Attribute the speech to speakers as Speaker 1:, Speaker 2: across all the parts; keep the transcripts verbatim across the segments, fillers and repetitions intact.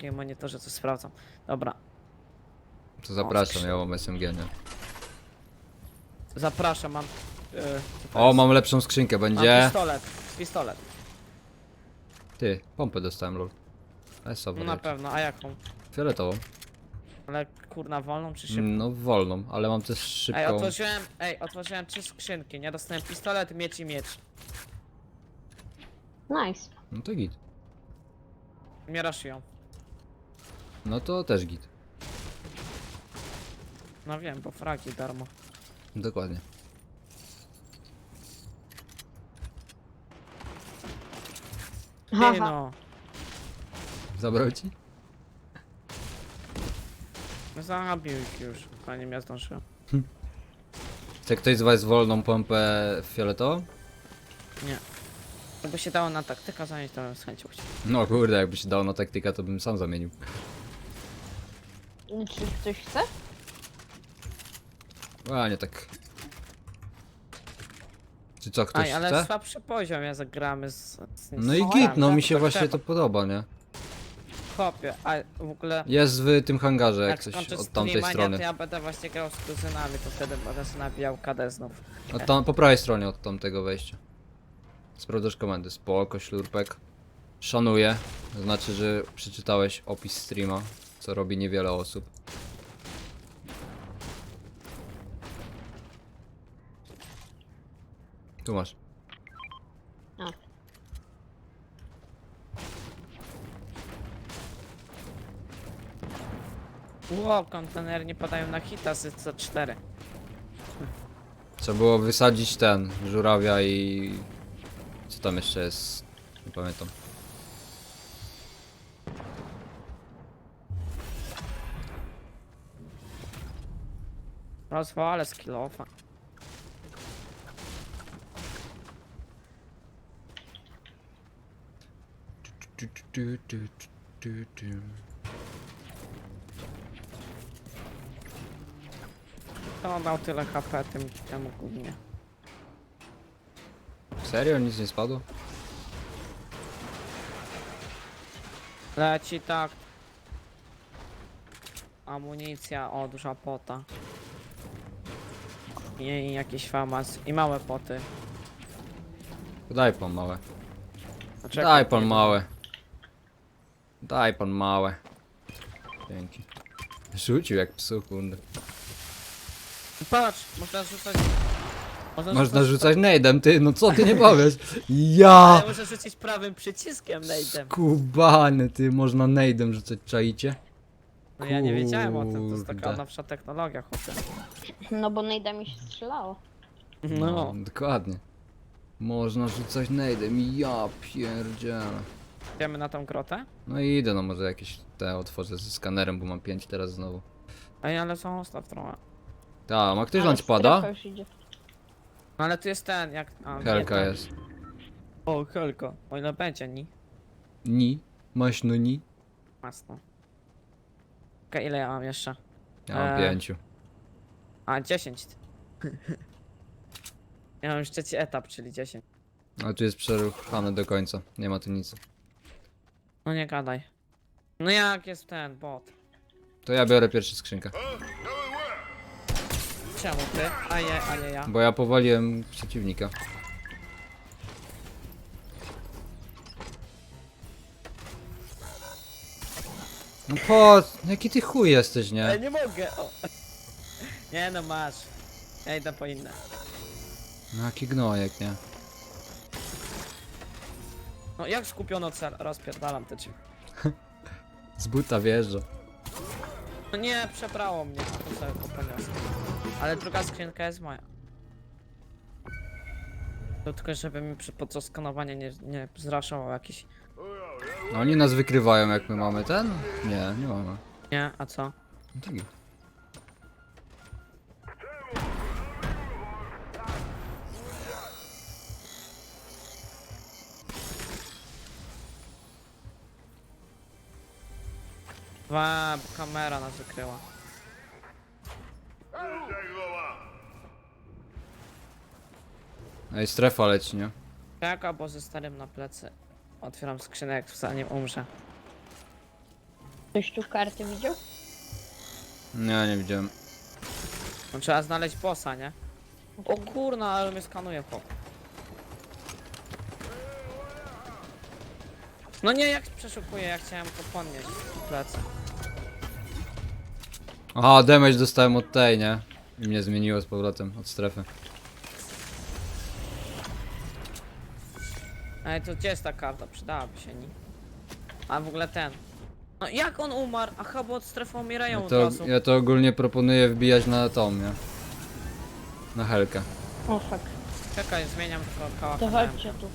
Speaker 1: drugim monitorze coś sprawdzam. Dobra,
Speaker 2: To zapraszam,
Speaker 1: skrzyn-
Speaker 2: ja mam S M G, nie?
Speaker 1: zapraszam, mam... Yy, co to
Speaker 2: O,
Speaker 1: jest?
Speaker 2: mam lepszą skrzynkę,
Speaker 1: Mam
Speaker 2: będzie...
Speaker 1: pistolet, pistolet.
Speaker 2: Ty, pompę dostałem, lol. S
Speaker 1: No na pewno, a jaką?
Speaker 2: Fioletową.
Speaker 1: Ale kurna, wolną czy szybką?
Speaker 2: No wolną, ale mam też
Speaker 1: Ej,
Speaker 2: szybką.
Speaker 1: otworzyłem, ej, otworzyłem trzy skrzynki, nie? Dostałem pistolet, miecz i miecz.
Speaker 3: Nice.
Speaker 2: No to git.
Speaker 1: Nie raszują.
Speaker 2: No to też git.
Speaker 1: No wiem, bo fragi darmo.
Speaker 2: Dokładnie.
Speaker 1: Ty
Speaker 3: Haha.
Speaker 1: no,
Speaker 2: Zabrał ci?
Speaker 1: zabił ich już, zanim ja zdążyłem.
Speaker 2: Chce ktoś z was wolną pompę fioletową?
Speaker 1: Nie. Jakby się dało na taktyka zająć, to bym z chęcią chciał.
Speaker 2: No kurde, jakby się dało na taktyka, to bym sam zamienił.
Speaker 3: Czy ktoś chce?
Speaker 2: A nie tak. Czy co, ktoś
Speaker 1: Aj, ale
Speaker 2: chce?
Speaker 1: słabszy poziom, ja zagramy z... z
Speaker 2: No i
Speaker 1: z-
Speaker 2: git, no
Speaker 1: tak,
Speaker 2: mi się
Speaker 1: to
Speaker 2: właśnie
Speaker 1: trzeba.
Speaker 2: to podoba, nie?
Speaker 1: Chłopie, a w ogóle...
Speaker 2: Jest w tym hangarze, jak
Speaker 1: Jak
Speaker 2: coś
Speaker 1: skończę
Speaker 2: od tamtej
Speaker 1: streama,
Speaker 2: strony.
Speaker 1: to ja będę właśnie grał z kuzynami, to wtedy będę sobie nabijał K D znów.
Speaker 2: Od tam, po prawej stronie od tamtego wejścia. Sprawdzasz komendy. Spoko, ślurpek. Szanuję. To znaczy, że przeczytałeś opis streama, co robi niewiele osób. Tu masz.
Speaker 3: A.
Speaker 1: Ło, kontenery nie padają na hita z C cztery.
Speaker 2: Trzeba było wysadzić ten, żurawia i... Co tam jeszcze jest? Nie pamiętam.
Speaker 1: Rozwalę skillofa.
Speaker 2: Tu, tu, tu, tu, tu, tu.
Speaker 1: To on dał tyle H P tym temu głównie.
Speaker 2: Serio? Nic nie spadło?
Speaker 1: Leci tak. Amunicja, o, duża pota. I, i jakiś famas. I małe poty.
Speaker 2: Daj pan małe.
Speaker 1: Poczekaj,
Speaker 2: Daj pan
Speaker 1: nie-
Speaker 2: małe. Daj pan małe. Dzięki. Rzucił jak psu, kurde.
Speaker 1: Patrz, można rzucać...
Speaker 2: Można rzucać nade'em, ty, no co ty nie powiesz?
Speaker 1: Ale
Speaker 2: Ja!
Speaker 1: można rzucić prawym przyciskiem nade'em.
Speaker 2: Skubany, ty, można nade'em rzucać, czaicie?
Speaker 1: No ja nie wiedziałem o tym, to jest taka
Speaker 2: Kurde.
Speaker 1: nowsza technologia, chłopie.
Speaker 3: No bo nejda mi się strzelało.
Speaker 1: No.
Speaker 2: Dokładnie. Można rzucać nade'em, ja pierdzielę.
Speaker 1: Idziemy na tą grotę?
Speaker 2: No i idę, no może jakieś te otworzę ze skanerem, bo mam pięć teraz znowu.
Speaker 1: Ej, ale są ustaw trochę.
Speaker 2: Ta, ma ktoś
Speaker 3: Ale
Speaker 2: lunchpada?
Speaker 3: strefa już idzie.
Speaker 1: No ale tu jest ten, jak... A, nie,
Speaker 2: Helka
Speaker 1: ten.
Speaker 2: jest.
Speaker 1: O, helko. O ile będzie, ni?
Speaker 2: Ni? Masz no ni?
Speaker 1: Masno. Okej, ile ja mam jeszcze?
Speaker 2: Ja mam
Speaker 1: Eee.
Speaker 2: pięciu.
Speaker 1: A, dziesięć. Ja mam już trzeci etap, czyli dziesięć.
Speaker 2: Ale tu jest przeruchane do końca, nie ma tu nic.
Speaker 1: No nie gadaj. No jak jest ten bot?
Speaker 2: To ja biorę pierwszą skrzynkę.
Speaker 1: Czemu ty? A nie, a nie ja.
Speaker 2: Bo ja powaliłem przeciwnika. No po... Jaki ty chuj jesteś, nie?
Speaker 1: Ej, nie mogę! O. Nie no, masz. Ja idę po inne.
Speaker 2: No jaki gnojek, nie?
Speaker 1: No jak skupiono cel? Rozpierdalam te drzwi.
Speaker 2: Z buta wjeżdża.
Speaker 1: No nie, przebrało mnie. To sobie to poniosę. Ale druga skrzynka jest moja. To tylko żeby mi przy podczas skanowania nie, nie zraszował jakiś...
Speaker 2: No oni nas wykrywają jak my mamy ten? Nie, nie mamy.
Speaker 1: Nie, a co?
Speaker 2: No to git.
Speaker 1: Wa, kamera nas wykryła.
Speaker 2: Ej, strefa leci, nie?
Speaker 1: Tak, albo ze starym na plecy. Otwieram skrzynek, zanim umrze.
Speaker 3: Ktoś tu karty widział?
Speaker 2: Nie, nie widziałem.
Speaker 1: No, trzeba znaleźć bossa, nie? O kurna, ale mnie skanuje chłop. No nie, jak przeszukuję, ja chciałem to podnieść w plecy.
Speaker 2: Aha, damage dostałem od tej, nie? I mnie zmieniło z powrotem od strefy.
Speaker 1: Ej, to gdzie jest ta karta? Przydałaby się, nie? A w ogóle ten. No jak on umarł? Aha, bo od strefy umierają
Speaker 2: Ja
Speaker 1: od
Speaker 2: to,
Speaker 1: razu.
Speaker 2: ja to ogólnie proponuję wbijać na tą, nie? Na helkę.
Speaker 3: O fuck.
Speaker 1: Czekaj, zmieniam tylko kałach.
Speaker 3: To chodźcie tu.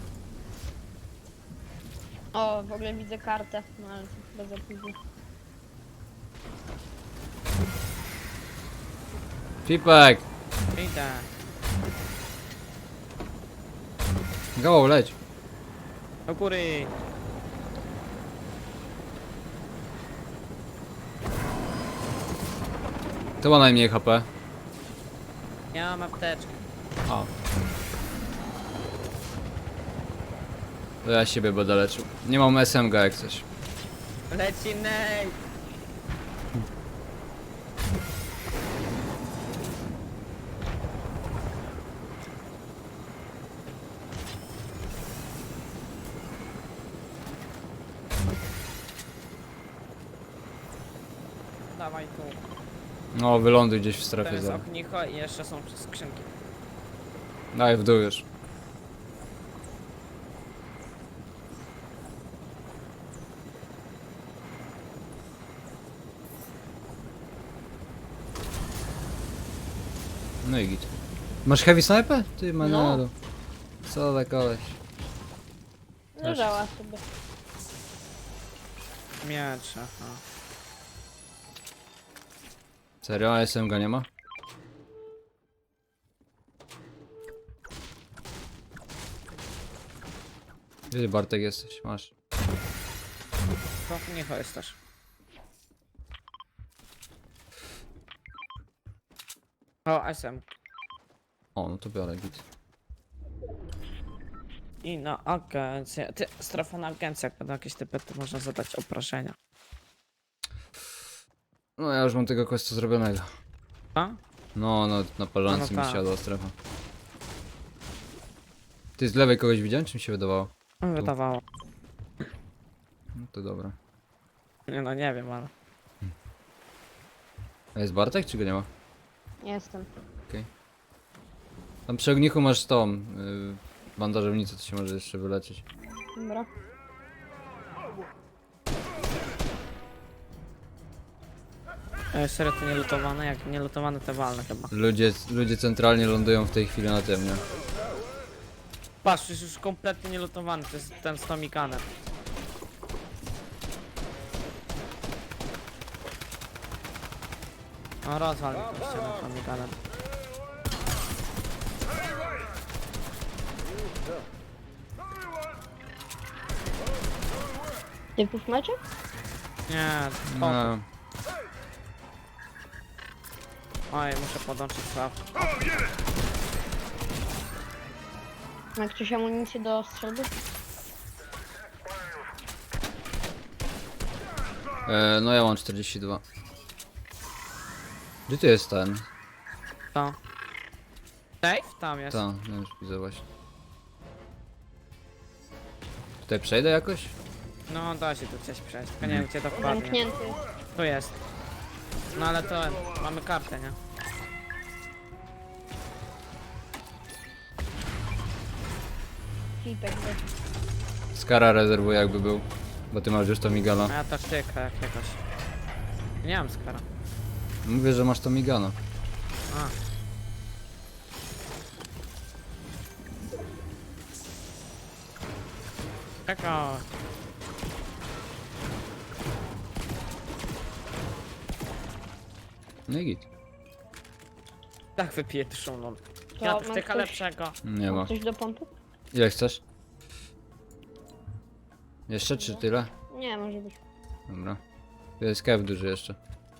Speaker 3: O, w ogóle widzę kartę, no ale to chyba za późno.
Speaker 2: Pipek!
Speaker 1: Idę.
Speaker 2: Go, leć!
Speaker 1: Do góry.
Speaker 2: To ma najmniej H P.
Speaker 1: Ja mam apteczkę.
Speaker 2: A. To ja siebie będę leczył. Nie mam S M G jak coś.
Speaker 1: Leci nej. Dawaj tu.
Speaker 2: No, wyląduj gdzieś w
Speaker 1: To
Speaker 2: strefie
Speaker 1: jest
Speaker 2: zaraz.
Speaker 1: ognicho i jeszcze są skrzynki.
Speaker 2: Daj w dół już. No i git. Masz heavy sniper? Ty Manado. Co za koleś.
Speaker 3: Leżała sobie.
Speaker 1: Miecz, aha.
Speaker 2: Serio? A S M G nie ma? Gdzie Bartek jesteś? Masz.
Speaker 1: To ognicho jest też. O, S M.
Speaker 2: O, no to biorę git.
Speaker 1: I na agencję. Ty, strefa na agencję, jak będą jakieś typy, to można zadać oproszenia.
Speaker 2: No ja już mam tego questa zrobionego.
Speaker 1: A?
Speaker 2: No, no, na parzance
Speaker 1: No, no
Speaker 2: mi
Speaker 1: tak.
Speaker 2: siadła strefa. Ty z lewej kogoś widziałem, czy mi się wydawało?
Speaker 1: Wydawało.
Speaker 2: No to dobra.
Speaker 1: Nie no, nie wiem, ale...
Speaker 2: A jest Bartek, czy go nie ma?
Speaker 3: Jestem.
Speaker 2: Tam przy ognichu masz tą yy, bandażownicę, to się może jeszcze wyleczyć.
Speaker 3: Dobra.
Speaker 1: E, serio to nie lutowane? Jak nie lutowane, to walne chyba.
Speaker 2: Ludzie, ludzie centralnie lądują w tej chwili na tym, nie?
Speaker 1: Patrz, jest już kompletnie nie lutowany, to jest ten z Tomikanem. No rozwal mi tą ścianę Tomikanem.
Speaker 3: Typów macie?
Speaker 1: Nie, o,
Speaker 2: No,
Speaker 1: oj, muszę podłączyć sław.
Speaker 3: Ma ktoś amunicję do strzelby?
Speaker 2: e, no ja mam czterdzieści dwa. Gdzie tu jest ten?
Speaker 1: To. Safe? Tam jest.
Speaker 2: Ta, no już widzę właśnie. Tutaj przejdę jakoś?
Speaker 1: No da się tu gdzieś przejść, tylko nie wiem gdzie dokładnie.
Speaker 3: Zamknięty jest.
Speaker 1: Tu jest. No ale to mamy kartę, nie?
Speaker 3: Flipek był.
Speaker 2: Skara rezerwuję jakby był. Bo ty masz już to migana.
Speaker 1: A ja taktyka jakiegoś. Nie mam skara.
Speaker 2: Mówię, że masz to migana.
Speaker 1: A. Czekaj.
Speaker 2: No i git.
Speaker 1: Tak wypieczą, no.
Speaker 3: To
Speaker 1: Ja
Speaker 3: ma
Speaker 1: taktyka
Speaker 3: ktoś-
Speaker 1: lepszego.
Speaker 2: Nie
Speaker 3: Ma
Speaker 2: ma.
Speaker 3: ktoś do pompy?
Speaker 2: Ile chcesz? Jeszcze czy tyle?
Speaker 3: Nie, może być.
Speaker 2: Dobra. Tu jest kew duży jeszcze.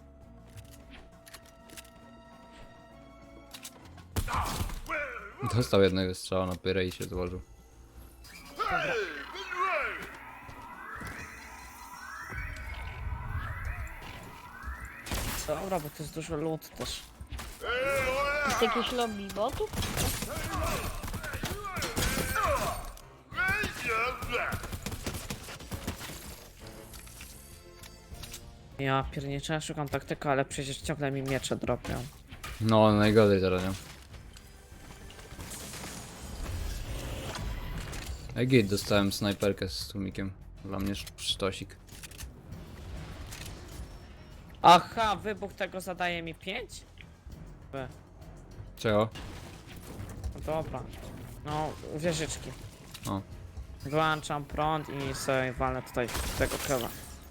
Speaker 2: Dostał jednego strzała na pyrę i się złożył.
Speaker 1: Dobra, bo to jest dużo loot też.
Speaker 3: Jest jakieś lobby botów?
Speaker 1: Ja pierniczę, ja szukam taktyka, ale przecież ciągle mi miecze dropią.
Speaker 2: No, najgorzej teraz, nie? Ej, git, dostałem snajperkę z tłumikiem. Dla mnie sz- sztosik.
Speaker 1: Aha, wybuch tego zadaje mi pięć? B.
Speaker 2: Czego?
Speaker 1: No dobra. No, wieżyczki.
Speaker 2: O.
Speaker 1: Wyłączam prąd i sobie walnę tutaj tego kewa.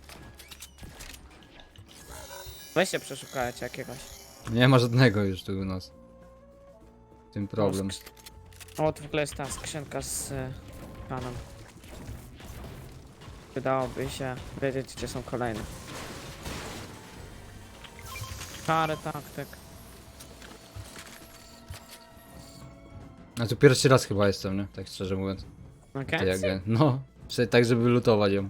Speaker 1: Weź się przeszukajcie jakiegoś.
Speaker 2: Nie ma żadnego już tu u nas. W tym problem.
Speaker 1: O, tu w ogóle jest ta skrzynka z y, panem. Wydałoby się wiedzieć, gdzie są kolejne. Parę taktyk.
Speaker 2: A tu pierwszy raz chyba jestem, nie? Tak szczerze mówiąc.
Speaker 1: Okej?
Speaker 2: Ty jak ja. No, przecież tak, żeby lutować ją.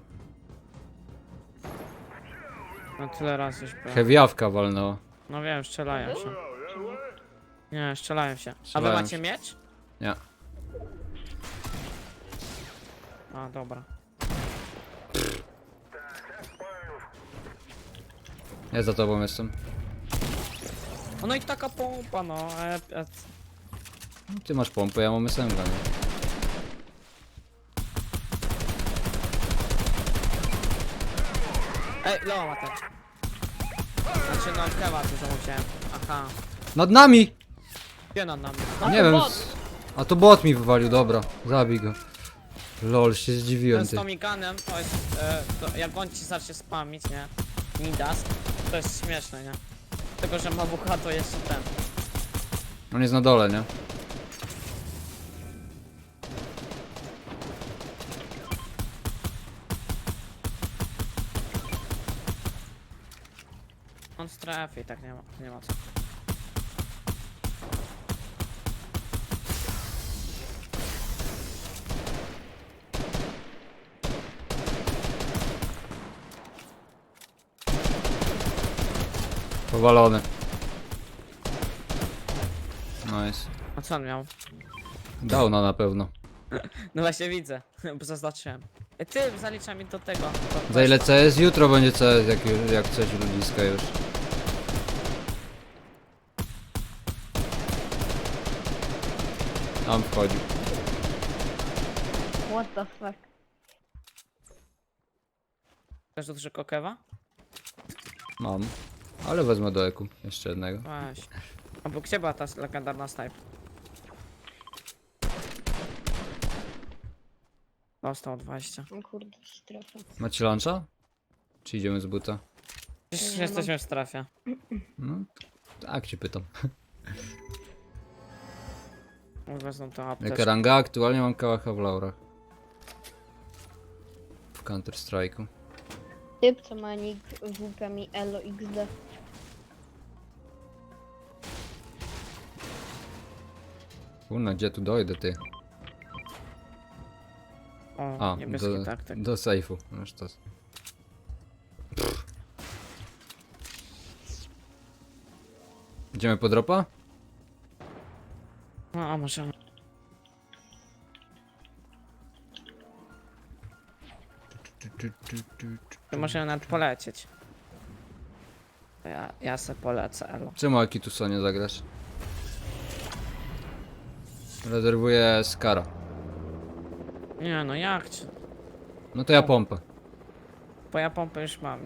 Speaker 1: No tyle razy już byłem.
Speaker 2: Heavy'awka walnęła.
Speaker 1: No wiem, strzelają się. Nie, strzelają się. A wy
Speaker 2: Strzelają
Speaker 1: macie
Speaker 2: się.
Speaker 1: miecz?
Speaker 2: Nie.
Speaker 1: A, dobra.
Speaker 2: Ja za tobą jestem.
Speaker 1: O, no i taka pompa, no. E, e,
Speaker 2: Ty masz pompę, ja mam S M G, nie?
Speaker 1: Ej, loła ten. Znaczy, no, kewa dużo musiałem. Aha.
Speaker 2: Nad nami!
Speaker 1: Gdzie nad nami?
Speaker 2: Nie wiem. s- A to bot mi wywalił, dobra. Zabij go. Lol, się
Speaker 1: Ten
Speaker 2: zdziwiłem,
Speaker 1: z
Speaker 2: ty.
Speaker 1: Tomiganem to jest, e, to jak on ci zacznie spamić, nie? Midas, to jest śmieszne, nie? Tylko, że ma bucha to jeszcze ten.
Speaker 2: On jest na dole, nie?
Speaker 1: On strefy i tak nie ma, nie ma co.
Speaker 2: Powalony. Nice.
Speaker 1: A co on miał?
Speaker 2: Downa na pewno.
Speaker 1: No właśnie widzę, bo zaznaczyłem. E, Ty, zalicza mi do tego. do
Speaker 2: Za ile
Speaker 1: questa.
Speaker 2: C S? Jutro będzie C S, jak, już- jak coś ludziska już. Tam wchodzi.
Speaker 3: What the fuck?
Speaker 1: Chcesz duży kokewa?
Speaker 2: Mam. Ale wezmę do eku. Jeszcze jednego.
Speaker 1: Weź. A bo gdzie była ta legendarna snipe? Dostał dwadzieścia.
Speaker 3: O kurde, strefa.
Speaker 2: Macie luncha? Czy idziemy z buta?
Speaker 1: Przecież
Speaker 3: Nie
Speaker 1: jesteśmy w strefie.
Speaker 2: No, tak ci pytam.
Speaker 1: Wezmą to
Speaker 2: Jaka
Speaker 1: apteczkę.
Speaker 2: ranga? Aktualnie mam kałacha w laurach. W Counter Strike'u.
Speaker 3: Typ, co ma nick W P mi Elo X D.
Speaker 2: Kurna, gdzie tu dojdę, ty?
Speaker 1: O,
Speaker 2: A,
Speaker 1: niebieski
Speaker 2: do,
Speaker 1: taktyk.
Speaker 2: do sejfu. Masz to. Idziemy po dropa?
Speaker 1: No, a może... To możemy nawet polecieć. To Ja, ja se polecę, elo.
Speaker 2: Czemu Akitusa nie zagrasz? Rezerwuję Skara.
Speaker 1: Nie no, jak cię?
Speaker 2: No to ja pompę.
Speaker 1: Bo ja pompę już mam.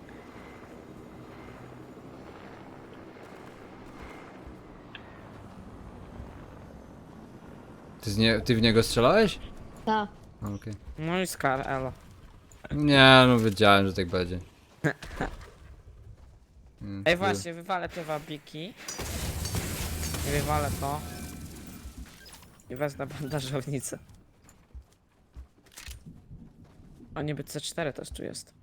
Speaker 2: Ty, z nie, ty w niego strzelałeś?
Speaker 3: Ta.
Speaker 2: A, Okej.
Speaker 1: No i skar, elo.
Speaker 2: Nie, no wiedziałem, że tak będzie. Mm,
Speaker 1: Ej
Speaker 2: ty-
Speaker 1: właśnie, wywalę te wabiki. I wywalę to. I wezmę bandażownicę. O, niby C cztery też tu jest.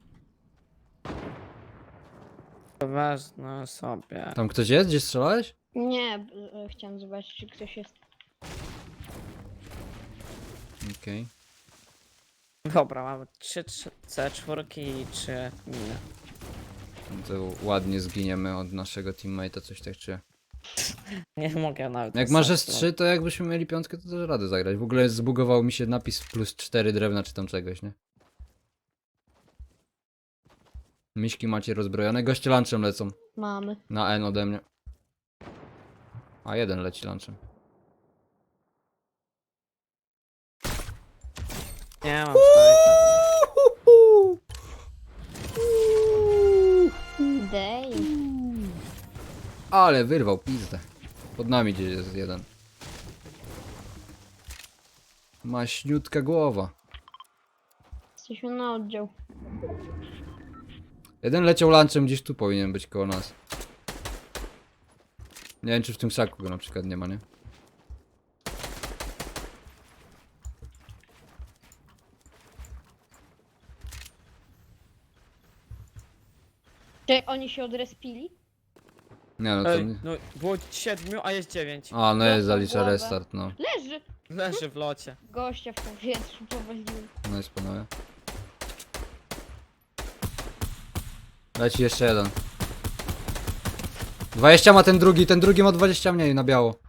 Speaker 1: To wezmę sobie.
Speaker 2: Tam ktoś jest? Gdzie strzelałeś?
Speaker 3: Nie, b- e, chciałem zobaczyć, czy ktoś jest.
Speaker 2: Okej.
Speaker 1: Dobra, mamy trzy C cztery i trzy miny.
Speaker 2: To ładnie zginiemy od naszego teammate'a, coś tak czy...
Speaker 1: Nie mogę nawet.
Speaker 2: Jak masz
Speaker 1: wystarczy.
Speaker 2: S trzy, to jakbyśmy mieli piątkę, to też radę zagrać. W ogóle zbugował mi się napis plus cztery drewna czy tam czegoś, nie? Miśki macie rozbrojone, goście lunchem lecą.
Speaker 3: Mamy.
Speaker 2: Na N ode mnie. A jeden leci lunchem.
Speaker 1: Nie mam snajpa.
Speaker 3: Dej.
Speaker 2: Ale wyrwał pizdę. Pod nami gdzieś jest jeden. Maśniutka głowa.
Speaker 3: Jesteśmy na oddział.
Speaker 2: Jeden leciał lunchem, gdzieś tu powinien być koło nas. Nie wiem, czy w tym krzaku go na przykład nie ma, nie?
Speaker 3: Czy oni się odrespili?
Speaker 2: Nie no to
Speaker 1: Ej,
Speaker 2: nie.
Speaker 1: no było siedmiu, a jest dziewięć.
Speaker 2: A no jest,
Speaker 3: Dostał
Speaker 2: zalicza
Speaker 3: głowę.
Speaker 2: restart, no.
Speaker 3: Leży!
Speaker 1: Leży w locie.
Speaker 3: Gościa w powietrzu powaliłem.
Speaker 2: No jest panowie. Leci jeszcze jeden. dwadzieścia ma ten drugi, ten drugi ma dwadzieścia mniej na biało.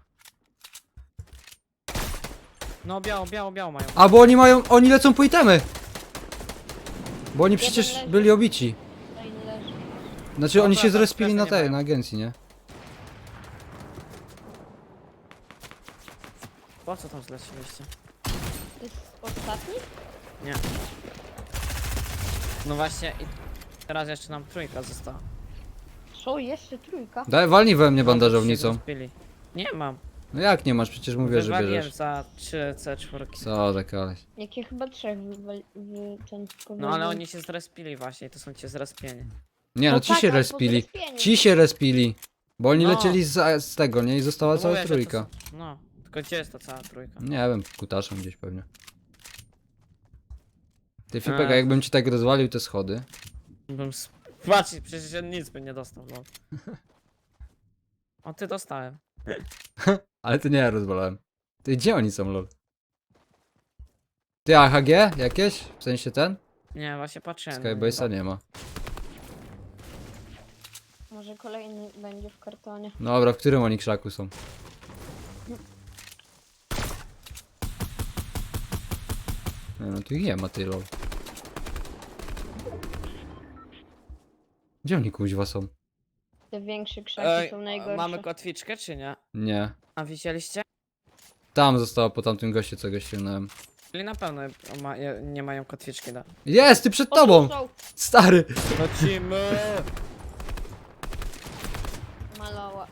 Speaker 1: No biało, biało, biało mają.
Speaker 2: A bo oni mają, oni lecą po itemy. Bo oni przecież
Speaker 3: leży.
Speaker 2: byli obici.
Speaker 3: Kolejny leży.
Speaker 2: Znaczy
Speaker 1: No
Speaker 2: oni
Speaker 1: tak,
Speaker 2: się
Speaker 1: tak,
Speaker 2: zrespili na
Speaker 1: strefy nie
Speaker 2: tej,
Speaker 1: mają.
Speaker 2: na agencji, nie?
Speaker 1: Po co tam zleciliście?
Speaker 3: To jest ostatni?
Speaker 1: Nie. No właśnie i teraz jeszcze nam trójka została.
Speaker 3: Co? Jeszcze trójka?
Speaker 2: Daj, walnij we mnie
Speaker 1: No, to się
Speaker 2: bandażownicą.
Speaker 1: zrespili. Nie mam.
Speaker 2: No jak nie masz? Przecież mówię, że
Speaker 1: Wywaliłem
Speaker 2: bierzesz.
Speaker 1: za trzy C cztery.
Speaker 2: Co za koleś.
Speaker 3: Jakie chyba trzech wywali... Wy... ten...
Speaker 1: No ale oni się zrespili właśnie i to są ci zrespieni.
Speaker 2: Nie no,
Speaker 3: No
Speaker 2: ci
Speaker 3: tak,
Speaker 2: się
Speaker 3: ale po
Speaker 2: respili.
Speaker 3: zrespieniu.
Speaker 2: Ci się respili. Bo oni
Speaker 1: No.
Speaker 2: lecieli z, z tego, nie? I została
Speaker 1: No
Speaker 2: cała
Speaker 1: mówię, że to
Speaker 2: trójka.
Speaker 1: są- No, tylko gdzie jest ta cała trójka?
Speaker 2: Nie wiem, kutaszem gdzieś pewnie. Ty Fipek,
Speaker 1: A.
Speaker 2: a jakbym ci tak rozwalił te schody.
Speaker 1: Bym s- Patrz, przecież ja nic by nie dostał, lol. O, ty dostałem.
Speaker 2: Ale ty nie ja rozwalałem. Ty gdzie oni są, lol? Ty A H G jakieś? W sensie ten?
Speaker 1: Nie, właśnie patrzyłem.
Speaker 2: Skybase'a nie ma.
Speaker 3: Może kolejny będzie w kartonie.
Speaker 2: Dobra, w którym oni krzaku są? Nie, no tu ich nie ma, ty lol. Gdzie oni kuźwa są?
Speaker 3: Te większe krzaki
Speaker 1: Ej,
Speaker 3: są najgorsze.
Speaker 1: mamy kotwiczkę czy nie?
Speaker 2: Nie.
Speaker 1: A widzieliście?
Speaker 2: Tam zostało po tamtym goście, co go ściągnąłem.
Speaker 1: Czyli na pewno ma, je- nie mają kotwiczki, da.
Speaker 2: Jest, ty przed
Speaker 3: O, tu
Speaker 2: tobą!
Speaker 3: są!
Speaker 2: Stary!
Speaker 1: Lecimy!
Speaker 3: Maloła.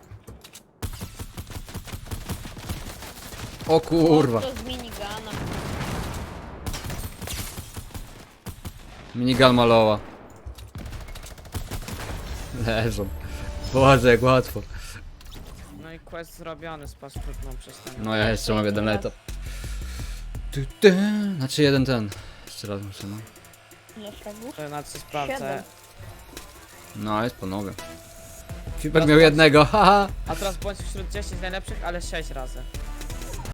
Speaker 2: O kurwa.
Speaker 3: To z minigana.
Speaker 2: Minigun maloła. Leżą. Boże, jak łatwo.
Speaker 1: No i quest zrobiony z paszportną przez ten.
Speaker 2: No ja jeszcze mam jeden
Speaker 3: Raz.
Speaker 2: etap. Tu, tu. Znaczy jeden ten. Jeszcze raz muszę, no.
Speaker 3: Ile fragów?
Speaker 1: To na co sprawdzę.
Speaker 3: Siedem.
Speaker 2: No, jest panowie. Fipek miał jednego, haha.
Speaker 1: A teraz bądź wśród dziesięciu najlepszych, ale sześć razy.